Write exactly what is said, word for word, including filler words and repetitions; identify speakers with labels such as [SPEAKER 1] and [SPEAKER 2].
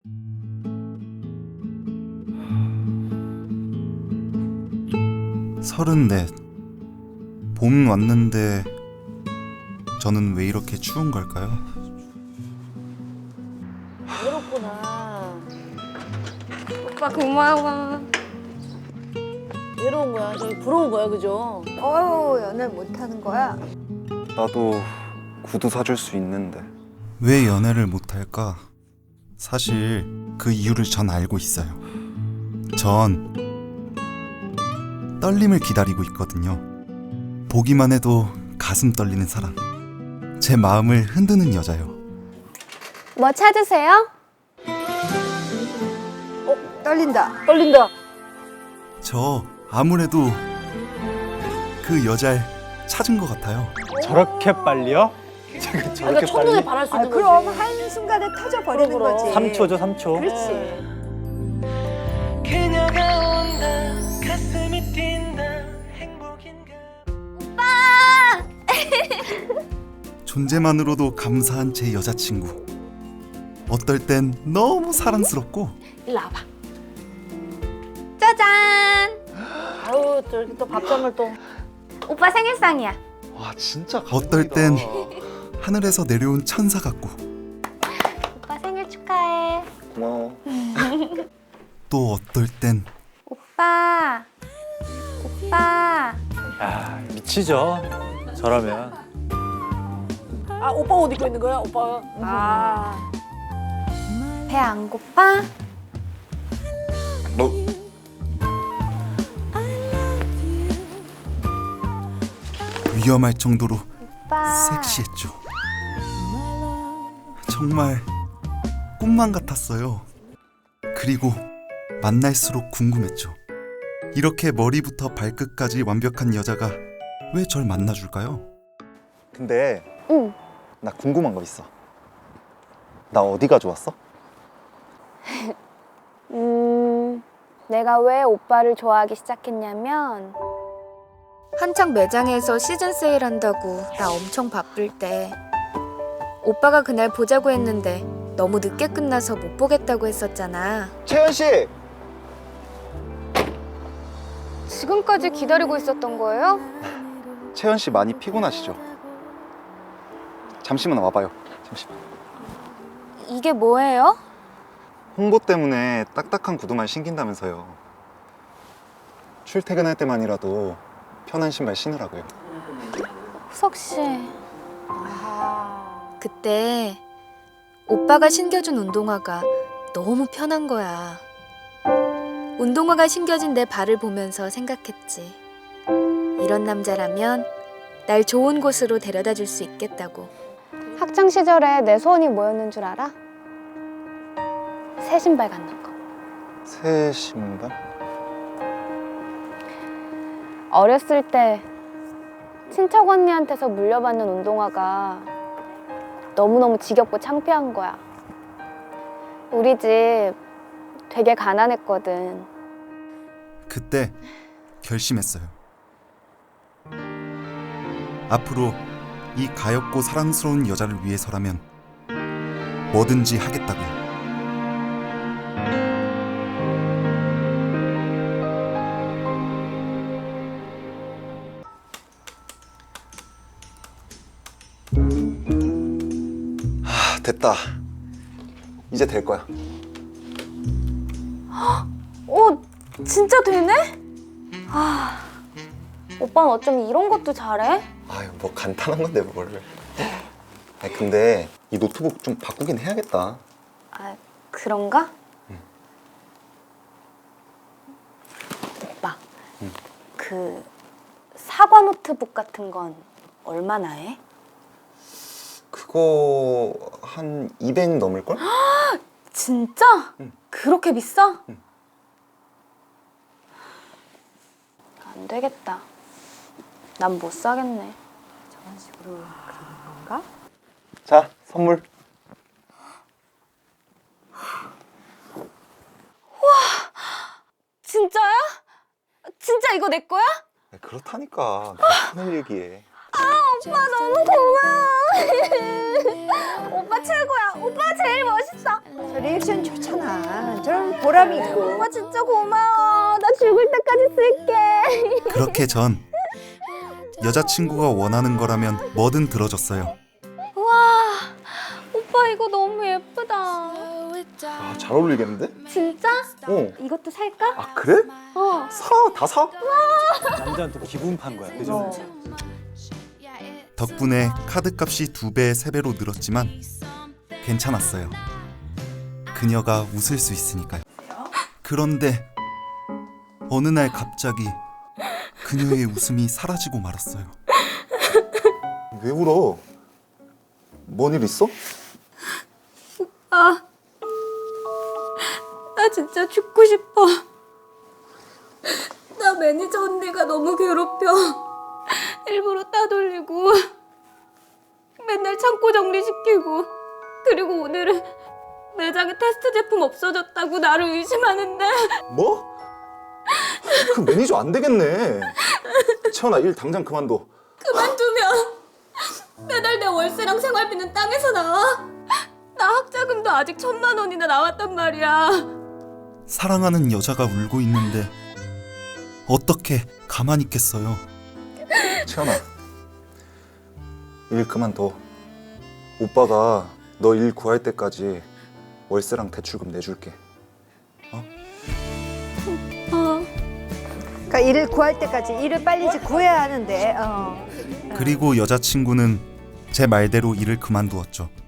[SPEAKER 1] 서른넷. 봄 왔는데 저는 왜 이렇게 추운 걸까요?
[SPEAKER 2] 외롭구나.
[SPEAKER 3] 오빠 고마워.
[SPEAKER 2] 외로운 거야. 저기 부러운 거야, 그죠?
[SPEAKER 3] 어휴, 연애를 못하는 거야?
[SPEAKER 4] 나도 구두 사줄 수 있는데.
[SPEAKER 1] 왜 연애를 못할까? 사실 그 이유를 전 알고 있어요. 전 떨림을 기다리고 있거든요. 보기만 해도 가슴 떨리는 사람. 제 마음을 흔드는 여자요.
[SPEAKER 3] 뭐 찾으세요?
[SPEAKER 2] 떨린다. 떨린다.
[SPEAKER 1] 저 아무래도 그 여자를 찾은 것 같아요.
[SPEAKER 4] 저렇게 빨리요? 제가
[SPEAKER 2] 그러니까
[SPEAKER 4] 저렇게
[SPEAKER 2] 첫눈에
[SPEAKER 4] 빨리?
[SPEAKER 2] 반할 수
[SPEAKER 3] 아,
[SPEAKER 2] 있는
[SPEAKER 3] 그럼
[SPEAKER 2] 거지.
[SPEAKER 3] 한순간에 터져버리는
[SPEAKER 2] 그럼, 그럼.
[SPEAKER 3] 거지.
[SPEAKER 4] 삼 초죠, 삼 초.
[SPEAKER 3] 그렇지.
[SPEAKER 5] 그녀가 온다 가슴이 뛴다 행복인가
[SPEAKER 1] 존재만으로도 감사한 제 여자친구. 어떨 땐 너무 사랑스럽고
[SPEAKER 2] 일로 와봐.
[SPEAKER 3] 짜잔!
[SPEAKER 2] 아유, 저렇게 또 밥상을 또.
[SPEAKER 3] 오빠 생일상이야.
[SPEAKER 4] 와, 진짜
[SPEAKER 1] 어떨 땐 하늘에서 내려온 천사 같고
[SPEAKER 3] 오빠 생일 축하해.
[SPEAKER 4] 고마워.
[SPEAKER 1] 또 어떨 땐
[SPEAKER 3] 오빠. 오빠.
[SPEAKER 4] 야, 미치죠. 저라면.
[SPEAKER 2] 아, 오빠 옷 입고 있는 거야, 오빠. 아.
[SPEAKER 3] 배 안 고파?
[SPEAKER 4] 뭐?
[SPEAKER 1] 위험할 정도로
[SPEAKER 3] 오빠.
[SPEAKER 1] 섹시했죠. 정말 꿈만 같았어요. 그리고 만날수록 궁금했죠. 이렇게 머리부터 발끝까지 완벽한 여자가 왜 절 만나줄까요?
[SPEAKER 4] 근데
[SPEAKER 3] 응.
[SPEAKER 4] 나 궁금한 거 있어. 나 어디가 좋았어?
[SPEAKER 3] 음, 내가 왜 오빠를 좋아하기 시작했냐면 한창 매장에서 시즌 세일한다고 나 엄청 바쁠 때 오빠가 그날 보자고 했는데 너무 늦게 끝나서 못 보겠다고 했었잖아.
[SPEAKER 4] 채연 씨!
[SPEAKER 3] 지금까지 기다리고 있었던 거예요?
[SPEAKER 4] 채연 씨 많이 피곤하시죠? 잠시만 와봐요. 잠시만.
[SPEAKER 3] 이게 뭐예요?
[SPEAKER 4] 홍보 때문에 딱딱한 구두만 신긴다면서요. 출퇴근할 때만이라도 편한 신발 신으라고요.
[SPEAKER 3] 후석 씨.
[SPEAKER 2] 아.
[SPEAKER 3] 그때 오빠가 신겨준 운동화가 너무 편한 거야. 운동화가 신겨진 내 발을 보면서 생각했지. 이런 남자라면 날 좋은 곳으로 데려다 줄 수 있겠다고. 학창 시절에 내 소원이 뭐였는 줄 알아? 새 신발 갖는 거.
[SPEAKER 4] 새 신발?
[SPEAKER 3] 어렸을 때 친척 언니한테서 물려받는 운동화가 너무너무 지겹고 창피한 거야. 우리 집 되게 가난했거든.
[SPEAKER 1] 그때 결심했어요. 앞으로 이 가엾고 사랑스러운 여자를 위해서라면 뭐든지 하겠다고요.
[SPEAKER 4] 아, 됐다. 이제 될 거야.
[SPEAKER 3] 오, 진짜 되네? 아, 오빠는 어쩜 이런 것도 잘해?
[SPEAKER 4] 아유, 뭐 간단한 건데 뭘. 아니, 근데 이 노트북 좀 바꾸긴 해야겠다.
[SPEAKER 3] 아, 그런가?
[SPEAKER 4] 응.
[SPEAKER 3] 오빠,
[SPEAKER 4] 응.
[SPEAKER 3] 그 사과 노트북 같은 건 얼마나 해?
[SPEAKER 4] 그거 한 이백 넘을걸?
[SPEAKER 3] 진짜?
[SPEAKER 4] 응.
[SPEAKER 3] 그렇게 비싸?
[SPEAKER 4] 응.
[SPEAKER 3] 안 되겠다. 난 못 사겠네.
[SPEAKER 2] 저런 식으로 그리는 건가?
[SPEAKER 4] 자, 선물.
[SPEAKER 3] 진짜야? 진짜 이거 내 거야?
[SPEAKER 4] 그렇다니까. 큰일 얘기해.
[SPEAKER 6] 오빠 너무 고마워. 오빠 최고야. 오빠가 제일 멋있어.
[SPEAKER 2] 저 리액션 좋잖아. 저런 보람이 있고.
[SPEAKER 6] 오빠 진짜 고마워. 나 죽을 때까지 쓸게.
[SPEAKER 1] 그렇게 전 여자친구가 원하는 거라면 뭐든 들어줬어요.
[SPEAKER 6] 와, 오빠 이거 너무 예쁘다.
[SPEAKER 4] 아, 잘 어울리겠는데?
[SPEAKER 6] 진짜?
[SPEAKER 4] 어.
[SPEAKER 6] 이것도 살까?
[SPEAKER 4] 아 그래?
[SPEAKER 6] 어.
[SPEAKER 4] 사, 다 사?
[SPEAKER 7] 남자한테 기분 판 거야, 그죠?
[SPEAKER 1] 덕분에 카드값이 두 배, 세 배로 늘었지만 괜찮았어요. 그녀가 웃을 수 있으니까요. 그런데 어느 날 갑자기 그녀의 웃음이 사라지고 말았어요.
[SPEAKER 4] 왜 울어? 뭔 일 있어?
[SPEAKER 6] 아, 나 진짜 죽고 싶어. 나 매니저 언니가 너무 괴롭혀. 일부러 따돌리고 맨날 창고 정리시키고 그리고 오늘은 매장에 테스트 제품 없어졌다고 나를 의심하는데
[SPEAKER 4] 뭐? 그 매니저 안 되겠네. 채원아 일 당장 그만둬.
[SPEAKER 6] 그만두면 매달 내 월세랑 생활비는 땅에서 나와? 나 학자금도 아직 천만 원이나 나왔단 말이야.
[SPEAKER 1] 사랑하는 여자가 울고 있는데 어떻게 가만히 있겠어요.
[SPEAKER 4] 채원아 일 그만둬. 오빠가 너 일 구할 때까지 월세랑 대출금 내줄게.
[SPEAKER 6] 어.
[SPEAKER 2] 그러니까 일을 구할 때까지 일을 빨리 이제 구해야 하는데. 어.
[SPEAKER 1] 그리고 여자친구는 제 말대로 일을 그만두었죠.